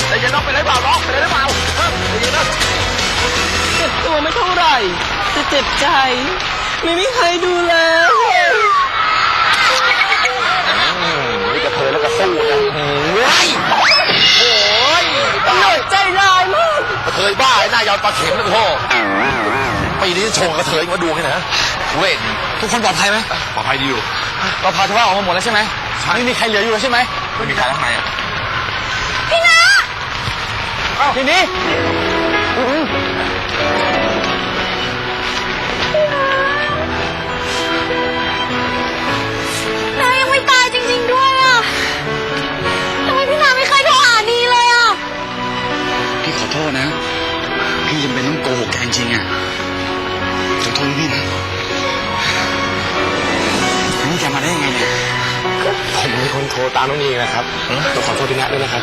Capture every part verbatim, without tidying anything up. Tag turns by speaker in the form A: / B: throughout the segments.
A: แต่ยังน้องไปไหนเปล่าน้องไปไหนหรือเปล่าเฮ้ยยังนะ
B: เจ็บตัวไม่เท่าไหร่แต่เจ็บใจไม่มีใครดูแล
A: นี่กระเทยแล้วก็สู้นะเฮ้ยโอ้ย
B: หน่อยใจร้ายมาก
A: กระเทยบ้าไอ้หน้ายาวปลาเข็มนะพ่อปีนี้ชงกระเทยมาดูให้นะเว้น
C: ทุกคนปลอดภัยไหม
A: ปลอดภัยดีอยู่
C: เราพาชาวบ้านออกมาหมดแล้วใช่ไหมไม่มีใครเหลืออยู่ใช่ไหม
A: ไม่มีใครข้างในอ่ะ
B: พี่นะ
C: ทีนี้
B: นายังไม่ตายจริงๆด้วยอ่ะทำไมพี่นาไม่เคยโทรหาดีเลยอ่ะ
C: พี่ขอโทษนะพี่จำเป็นต้องโกหกแกจริงๆอ่ะขอโทษพี่นะนี่แกมาได้ยังไงเนี่ย
A: ผมเป็นคนโทรตามน้องนีนะครับต้องขอโทษพี่นัทด้วยนะครับ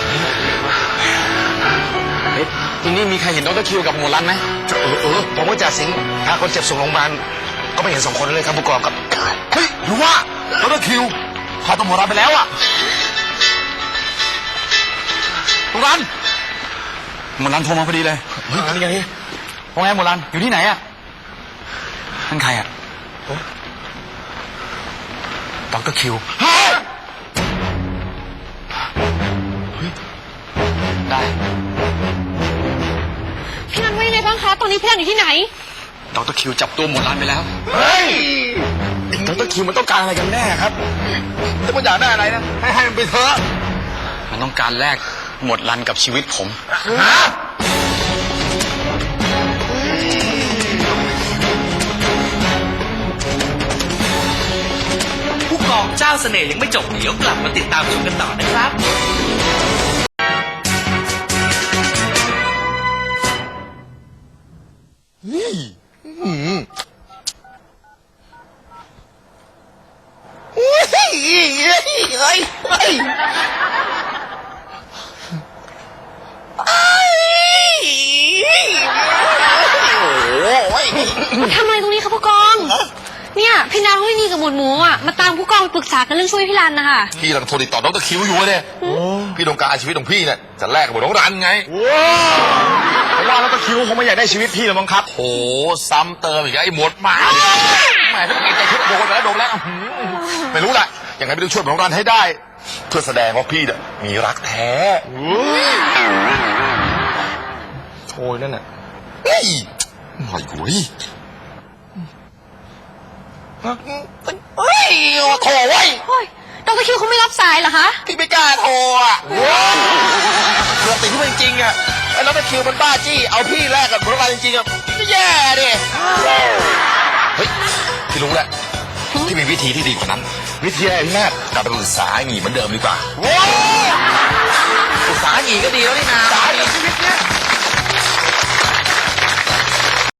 C: ทีนี้มีใครเห็นดรคิวกับหมวดรันไหม
A: เออเออผมก็จ่าสิงห์พาคนเจ็บส่งโรงพยาบาลก็ไม่เห็นสองคนเลยครับผู้กองครับเฮ้ยหรือว่าดรคิวพาตัวหมวดรันไปแล้วอ่ะหมวดรัน
C: หมวดรันโทรมาพอดีเลย
A: เฮ้ยนี่ไง
C: ว่าไงหมวดรันอยู่ที่ไหนอ่ะนั่นใครอ่ะดรคิวได้
B: พี่นันว่ายังไงบ้างคะตอนนี้พี่นันอยู่ที่ไหน
C: ดรคิวจับตัวหมวดรันไปแล้ว
A: เฮ้ยดรคิวมันต้องการอะไรกันแน่ครับถ้ามันอยากได้อะไรนะให้ให้มันไปเถอะ
C: มันต้องการแลกหมวดรันกับชีวิตผม
A: ฮะ
D: ผู้กองเจ้าเสน่ห์ยังไม่จบเดี๋ยวกลับมาติดตามชมกันต่อนะครับ
A: นี่อืมเฮ้ยเฮ้ยเฮ้ยเฮ้ย
B: ทำอะไรตรงนี้คะผู้กองเนี่ยพี่นาวินีกับหมวดหมูอ่ะมาตามผู้กองปรึกษากันเรื่องช่วยพี่รันนะคะ
A: พี่กำลังโทรติดต่อดรคิวอยู่เนี่ยพี่ต้องการชีวิตของพี่เนี่ยจะแลกกับหมวดน้องรันไง
C: ผมว่าดรคิวคงไม่อยากได้ชีวิตพี่หรอกมั้งครับ
A: โอ้ซ้ำเติมอีกไอ้หมวดหมาแหมถ้าเป็นใจทุกโดนแล้วโดนแล้วไม่รู้แหละยังไงไม่ต้องช่วยหมวดน้องรันให้ได้เพื่อแสดงว่าพี่เนี่ยมีรักแท้โอ้ยนั่นน่ะเฮ้ยหน่อยกูยเฮ้ยโทรไว้
B: ดรคิวเขาไม่รับสายเหรอคะ
A: พี่ไม่กล้าโทรอ่ะเรื่องติดที่มันจริงอ่ะไอ้ดรคิวมันบ้าจี้เอาพี่แลกกับพวกเราจริงๆอ่ะไม่แย่ดิเฮ้ยพี่รู้แหละที่มีวิธีที่ดีกว่านั้นวิธีอะไรพี่แม่กลับไปปรึกษาหงีเหมือนเดิมดีกว่าปรึกษาหงีก็ดีแล้วนี่นาสาหงีชีวิตเนี้ย